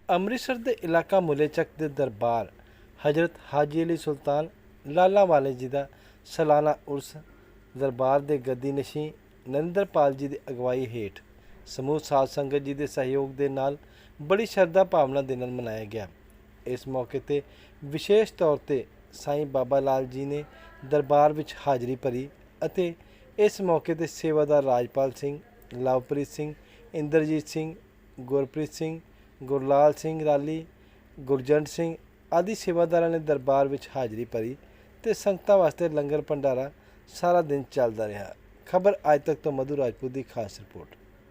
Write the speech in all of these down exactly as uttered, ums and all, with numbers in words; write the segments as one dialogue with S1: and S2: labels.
S1: ਅੰਮ੍ਰਿਤਸਰ ਦੇ ਇਲਾਕਾ ਮੁੱਲੇ ਚੱਕ ਦੇ ਦਰਬਾਰ ਹਜ਼ਰਤ ਹਾਜੀ ਅਲੀ ਸੁਲਤਾਨ ਲਾਲਾ ਵਾਲੇ ਜੀ ਦਾ ਸਾਲਾਨਾ ਉਰਸ ਦਰਬਾਰ ਦੇ ਗੱਦੀ ਨਸ਼ੀਂ ਨਰਿੰਦਰਪਾਲ ਜੀ ਦੀ ਅਗਵਾਈ ਹੇਠ ਸਮੂਹ ਸਾਧ ਸੰਗਤ ਜੀ ਦੇ ਸਹਿਯੋਗ ਦੇ ਨਾਲ ਬੜੀ ਸ਼ਰਧਾ ਭਾਵਨਾ ਦੇ ਨਾਲ ਮਨਾਇਆ ਗਿਆ। ਇਸ ਮੌਕੇ 'ਤੇ ਵਿਸ਼ੇਸ਼ ਤੌਰ 'ਤੇ ਸਾਈਂ ਬਾਬਾ ਲਾਲ ਜੀ ਨੇ ਦਰਬਾਰ ਵਿੱਚ ਹਾਜ਼ਰੀ ਭਰੀ ਅਤੇ ਇਸ ਮੌਕੇ 'ਤੇ ਸੇਵਾਦਾਰ ਰਾਜਪਾਲ ਸਿੰਘ, ਲਵਪ੍ਰੀਤ ਸਿੰਘ, ਇੰਦਰਜੀਤ ਸਿੰਘ, ਗੁਰਪ੍ਰੀਤ ਸਿੰਘ, ਗੁਰਲਾਲ ਸਿੰਘ ਰਾਲੀ, ਗੁਰਜੰਟ ਸਿੰਘ ਆदि ਸੇਵਾਦਾਰਾਂ ਨੇ ਦਰਬਾਰ ਵਿੱਚ ਹਾਜ਼ਰੀ ਭਰੀ ਤੇ ਸੰਗਤਾਂ ਵਾਸਤੇ ਲੰਗਰ ਭੰਡਾਰਾ ਸਾਰਾ ਦਿਨ ਚੱਲਦਾ ਰਿਹਾ। ਖਬਰ ਅੱਜ ਤੱਕ ਤੋਂ ਮਧੂ ਰਾਜਪੂਤ ਦੀ ਖਾਸ ਰਿਪੋਰਟ।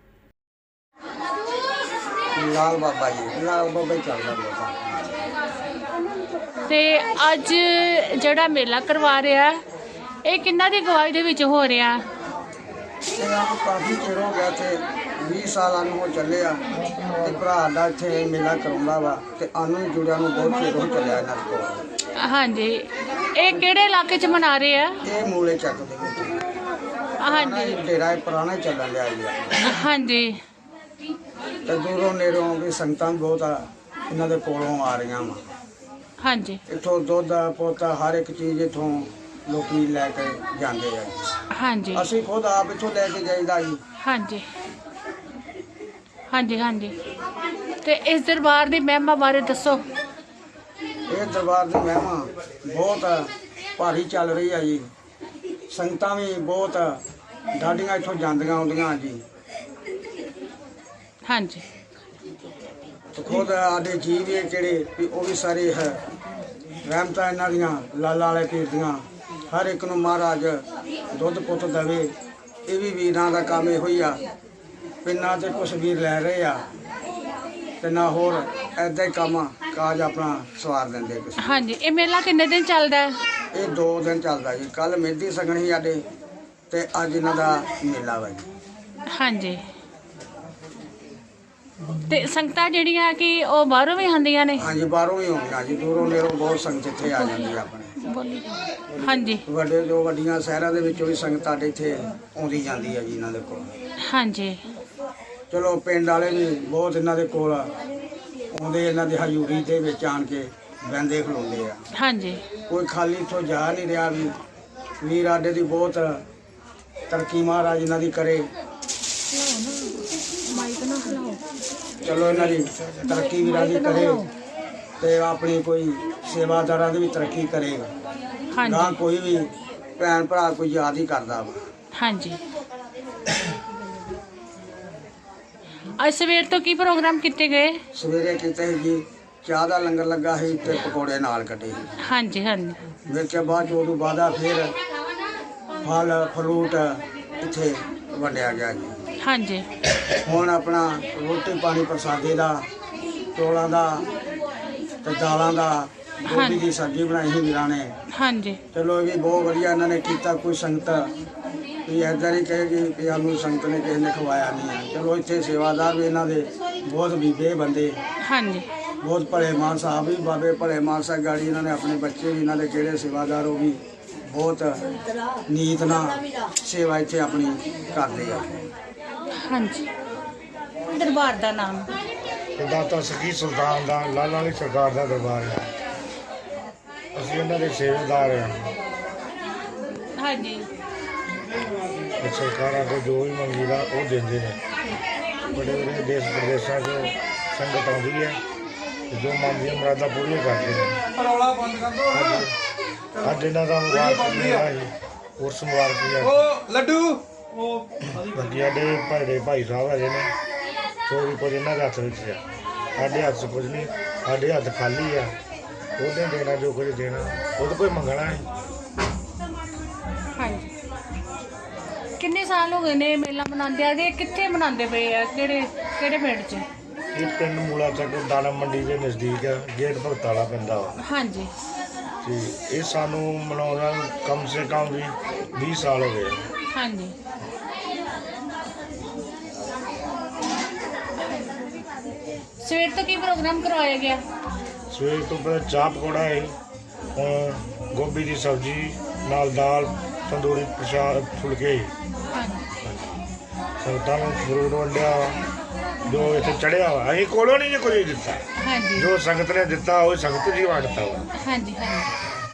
S2: ਲਾਲ ਬਾਬਾ ਜੀ ਲਾਲ ਬਾਬਾ ਹੀ ਚੱਲਦਾ ਬਹੁਤ
S3: ਤੇ ਅੱਜ ਜਿਹੜਾ ਮੇਲਾ ਕਰਵਾ ਰਿਹਾ ਇਹ ਕਿੰਨਾ ਦੀ ਅਗਵਾਈ ਦੇ ਵਿੱਚ ਹੋ ਰਿਹਾ?
S2: ਤੇ ਆਪ ਕਾਫੀ ਚਿਰ ਹੋ ਗਿਆ ਤੇ ਵੀਹ ਸਾਲਾਂ ਨੂੰ ਹੋ ਚੱਲੇ ਆ ਤੇ ਭਰਾ ਦਾ ਇੱਥੇ ਮੇਲਾ ਕਰਾਉਂਦਾ ਵਾ ਤੇ ਆਨੂੰ ਜੁੜਿਆ ਨੂੰ ਬਹੁਤ ਚਿਰ ਹੋ ਚੱਲਿਆ ਇਹਨਾਂ ਕੋਲ।
S3: ਹਾਂਜੀ, ਇਹ ਕਿਹੜੇ ਇਲਾਕੇ 'ਚ ਮਨਾ ਰਹੇ ਆ?
S2: ਇਹ ਮੂਲੇ ਚੱਕ ਦੇ ਵਿੱਚ
S3: ਹਾਂਜੀ
S2: ਡੇਰਾ ਇਹ ਪੁਰਾਣਾ ਚੱਲਣ ਲਿਆ ਜੀ ਆ।
S3: ਹਾਂਜੀ
S2: ਤੇ ਦੂਰੋਂ ਨੇੜੋਂ ਵੀ ਸੰਗਤਾਂ ਬਹੁਤ ਆ ਇਹਨਾਂ ਦੇ ਕੋਲੋਂ ਆ ਰਹੀਆਂ ਵਾ।
S3: ਹਾਂਜੀ
S2: ਇੱਥੋਂ ਦੁੱਧ ਪੋਤਾ ਹਰ ਇੱਕ ਚੀਜ਼ ਇੱਥੋਂ ਲੋਕੀ ਲੈ ਕੇ ਜਾਂਦੇ ਆ।
S3: ਹਾਂਜੀ
S2: ਅਸੀਂ ਖੁਦ ਆਪ ਇੱਥੋਂ ਲੈ ਕੇ ਜਾਈਦਾ ਜੀ।
S3: ਹਾਂਜੀ ਹਾਂਜੀ ਹਾਂਜੀ ਤੇ ਇਸ ਦਰਬਾਰ ਦੀ ਮਹਿਮਾ ਬਾਰੇ ਦੱਸੋ।
S2: ਇਹ ਦਰਬਾਰ ਦੀ ਮਹਿਮਾ ਬਹੁਤ ਭਾਰੀ ਚੱਲ ਰਹੀ ਆ ਜੀ। ਸੰਗਤਾਂ ਵੀ ਬਹੁਤ ਡਾਢੀਆਂ ਇੱਥੋਂ ਜਾਂਦੀਆਂ ਆਉਂਦੀਆਂ ਜੀ।
S3: ਹਾਂਜੀ
S2: ਤੇ ਖੁਦ ਸਾਡੇ ਜੀ ਵੀ ਜਿਹੜੇ ਵੀ ਉਹ ਵੀ ਸਾਰੇ ਹੈ ਰਹਿਮਤਾਂ ਇਹਨਾਂ ਦੀਆਂ ਲਾਲਾ ਵਾਲੇ ਪੀਰ ਦੀਆਂ। ਹਰ ਇੱਕ ਨੂੰ ਮਹਾਰਾਜ ਦੁੱਧ ਪੁੱਤ ਦੇਵੇ। ਇਹ ਵੀ ਵੀਰਾਂ ਦਾ ਕੰਮ ਇਹੋ ਹੀ ਆ। ਪਿੰਡਾਂ 'ਚ ਕੁਛ ਵੀਰ ਲੈ ਰਹੇ ਆ ਤੇ ਨਾ ਹੋਰ ਐਦਾਂ ਹੀ ਕੰਮ ਕਾਜ ਆਪਣਾ ਸਵਾਰ ਦਿੰਦੇ ਕੁਛ।
S3: ਹਾਂਜੀ, ਇਹ ਮੇਲਾ ਕਿੰਨੇ ਦਿਨ ਚੱਲਦਾ ਹੈ?
S2: ਇਹ ਦੋ ਦਿਨ ਚੱਲਦਾ ਜੀ। ਕੱਲ ਮਹਿੰਦੀ ਸਗਨ ਸੀ ਸਾਡੇ ਤੇ ਅੱਜ ਇਹਨਾਂ ਦਾ ਮੇਲਾ ਵਾ ਜੀ।
S3: ਹਾਂਜੀ ਤੇ ਸੰਗਤਾਂ ਜਿਹੜੀਆਂ ਕਿ ਉਹ ਬਾਹਰੋਂ ਵੀ ਆਉਂਦੀਆਂ ਨੇ?
S2: ਹਾਂਜੀ, ਬਾਹਰੋਂ ਹੀ ਆਉਂਦੀਆਂ ਜੀ। ਦੂਰੋਂ ਨੇੜੋਂ ਬਹੁਤ ਸੰਗਤ ਇੱਥੇ ਆ ਜਾਂਦੀ ਆ ਆਪਣੇ।
S3: ਬੋਲੀ ਹਾਂਜੀ
S2: ਵੱਡੇ ਜੋ ਵੱਡੀਆਂ ਸ਼ਹਿਰਾਂ ਦੇ ਵਿੱਚੋਂ ਵੀ ਸੰਗਤ ਸਾਡੇ ਇੱਥੇ ਆਉਂਦੀ ਜਾਂਦੀ ਆ ਜੀ ਇਹਨਾਂ ਦੇ ਕੋਲ।
S3: ਹਾਂਜੀ
S2: ਚਲੋ ਪਿੰਡ ਵਾਲੇ ਵੀ ਬਹੁਤ ਇਹਨਾਂ ਦੇ ਕੋਲ ਆਉਂਦੇ, ਇਹਨਾਂ ਦੀ ਹਜ਼ੂਰੀ ਦੇ ਵਿੱਚ ਆਣ ਕੇ ਬਹਿੰਦੇ ਖਲੋਂਦੇ ਆ।
S3: ਹਾਂਜੀ
S2: ਕੋਈ ਖਾਲੀ ਇੱਥੋਂ ਜਾ ਨਹੀਂ ਰਿਹਾ ਵੀ ਵੀਰ ਆਡੇ ਦੀ ਬਹੁਤ ਤਰੱਕੀ ਮਹਾਰਾਜ ਇਹਨਾਂ ਦੀ ਕਰੇ। ਚਲੋ ਇਹਨਾਂ ਦੀ ਤਰੱਕੀ ਵੀਰਾਂ ਦੀ ਕਰੇ ਤੇ ਆਪਣੀ ਕੋਈ ਸੇਵਾਦਾਰਾਂ ਦੀ ਵੀ ਤਰੱਕੀ ਕਰੇ। ਨਾ
S3: ਹਾਂਜੀ
S2: ਕੋਈ ਵੀ ਭੈਣ ਭਰਾ ਕੋਈ ਯਾਦ ਹੀ ਕਰਦਾ ਵਾ।
S3: ਹਾਂਜੀ ਅੱਜ ਸਵੇਰ ਤੋਂ ਕੀ ਪ੍ਰੋਗਰਾਮ ਕੀਤੇ ਗਏ?
S2: ਸਵੇਰੇ ਕਿਤੇ ਜੀ ਚਾਹ ਦਾ ਲੰਗਰ ਲੱਗਾ ਸੀ ਤੇ ਪਕੌੜੇ ਨਾਲ ਕੱਟੇ।
S3: ਹਾਂਜੀ ਹਾਂਜੀ
S2: ਵੇਖਿਆ ਬਾਅਦ ਚੋਂ ਉਦੋਂ ਬਾਅਦ ਫਿਰ ਫਲ ਫਰੂਟ ਇੱਥੇ ਵੰਡਿਆ ਗਿਆ ਜੀ।
S3: ਹਾਂਜੀ
S2: ਹੁਣ ਆਪਣਾ ਰੋਟੀ ਪਾਣੀ ਪ੍ਰਸਾਦੇ ਦਾ, ਚੌਲਾਂ ਦਾ ਤੇ ਦਾਲਾਂ ਦਾ, ਗੋਭੀ ਦੀ ਸਬਜ਼ੀ ਬਣਾਈ ਸੀ ਵੀਰਾਂ ਨੇ।
S3: ਹਾਂਜੀ
S2: ਚਲੋ ਇਹ ਵੀ ਬਹੁਤ ਵਧੀਆ ਇਹਨਾਂ ਨੇ ਕੀਤਾ। ਕੋਈ ਸੰਗਤ ਵੀ ਇੱਦਾਂ ਨਹੀਂ ਕਹੇਗੀ ਕਿ ਸਾਨੂੰ ਸੰਗਤ ਨੇ ਕਿਸੇ ਨੇ ਖਵਾਇਆ ਨਹੀਂ ਹੈ। ਚਲੋ ਇੱਥੇ ਸੇਵਾਦਾਰ ਵੀ ਇਹਨਾਂ ਦੇ ਬਹੁਤ ਬੀਬੇ ਬੰਦੇ,
S3: ਹਾਂਜੀ
S2: ਬਹੁਤ ਭਲੇ ਮਾਨ ਸਾਹਿਬ ਵੀ ਬਾਬੇ ਭਲੇ ਮਾਨ ਸਾਹਿਬ ਗਾੜੀ ਇਹਨਾਂ ਨੇ ਆਪਣੇ ਬੱਚੇ ਵੀ ਇਹਨਾਂ ਦੇ ਜਿਹੜੇ ਸੇਵਾਦਾਰ ਉਹ ਵੀ ਬਹੁਤ ਨੀਤ ਨਾਲ ਸੇਵਾ ਇੱਥੇ ਆਪਣੀ ਕਰਦੇ ਆ।
S3: ਹਾਂਜੀ ਦਰਬਾਰ ਦਾ ਨਾਮ?
S4: ਦਾਤਾ ਸਕੀ ਸੁਲਤਾਨ ਦਾ ਲਾਲਾ ਵਾਲੀ ਸਰਕਾਰ ਦਾ ਦਰਬਾਰ ਹੈ। ਅਸੀਂ ਉਹਨਾਂ ਦੇ ਸੇਵਾਦਾਰ ਹਾਂ।
S3: ਹਾਂਜੀ
S4: ਤੇ ਸਰਕਾਰਾਂ ਤੋਂ ਜੋ ਵੀ ਮੰਗੀਦਾ ਉਹ ਦਿੰਦੇ ਨੇ। ਬੜੇ ਬੜੇ ਦੇਸ਼ ਪ੍ਰਦੇਸ਼ਾਂ 'ਚੋਂ ਸੰਗਤ ਆਉਂਦੀ ਹੈ ਤੇ ਜੋ ਮੰਗਦੀਆਂ ਮੁਰਾਦਾਂ ਪੂਰੀਆਂ ਕਰਦੇ ਨੇ। ਅੱਜ ਇਹਨਾਂ ਦਾ ਮੁਬਾਰਕ ਮੇਲਾ ਸੀ, ਉਰਸ ਮੁਬਾਰਕ ਹੈ।
S2: ਲੱਡੂ
S4: ਬਾਕੀ ਸਾਡੇ ਭਾਈ ਦੇ ਭਾਈ ਸਾਹਿਬ ਹੈਗੇ ਨੇ, ਸੋ ਵੀ ਕੁਝ ਇਹਨਾਂ ਦੇ ਹੱਥ ਵਿੱਚ ਆ। ਸਾਡੇ ਹੱਥ 'ਚ ਕੁਝ ਨਹੀਂ, ਸਾਡੇ ਹੱਥ ਖਾਲੀ ਆ। ਉਹਨੇ ਦੇਣਾ ਜੋ ਕੁਝ ਦੇਣਾ, ਉਹਦੇ ਕੋਈ ਮੰਗਣਾ ਹੈ।
S3: ਹਾਂਜੀ ਕਿੰਨੇ ਸਾਲ ਹੋ ਗਏ ਨੇ ਮੇਲਾ ਮਨਾਉਂਦੇ ਆ? ਇਹ ਕਿੱਥੇ ਮਨਾਉਂਦੇ ਪਏ ਆ? ਕਿਹੜੇ ਕਿਹੜੇ ਪਿੰਡ 'ਚ?
S4: ਇਹ ਪਿੰਡ ਮੂਲਾ ਚੱਕ ਦਾਣਾ ਮੰਡੀ ਦੇ ਨਜ਼ਦੀਕ ਆ, ਗੇਟ ਭਗਤ ਵਾਲਾ ਪੈਂਦਾ ਵਾ।
S3: ਹਾਂਜੀ
S4: ਤੇ ਇਹ ਸਾਨੂੰ ਮਨਾਉਣਾ ਕਮ ਸੇ ਕਮ ਵੀ ਵੀਹ ਸਾਲ ਹੋ ਗਏ।
S3: ਹਾਂਜੀ ਸਵੇਰ ਤੋਂ ਕੀ ਪ੍ਰੋਗਰਾਮ ਕਰਵਾਇਆ ਗਿਆ?
S4: ਸਵੇਰ ਤੋਂ ਪਹਿਲਾਂ ਚਾਹ ਪਕੌੜਾ ਹੈ, ਹੁਣ ਗੋਭੀ ਦੀ ਸਬਜ਼ੀ ਨਾਲ ਦਾਲ, ਤੰਦੂਰੀ ਪ੍ਰਸ਼ਾਦ, ਫੁਲਕੇ।
S3: ਹਾਂਜੀ
S4: ਸੰਗਤਾਂ ਨੂੰ ਫਰੂਟ ਵੰਡਿਆ, ਜੋ ਇੱਥੇ ਚੜਿਆ ਵਾ ਅਸੀਂ ਕੋਲੋਂ ਨਹੀਂ ਜੇ ਕੁਝ ਦਿੱਤਾ
S3: ਹਾਂਜੀ
S4: ਜੋ ਸੰਗਤ ਨੇ ਦਿੱਤਾ ਉਹ ਸੰਗਤ ਜੀ ਵੰਡਤਾ ਵਾ
S3: ਹਾਂਜੀ ਹਾਂਜੀ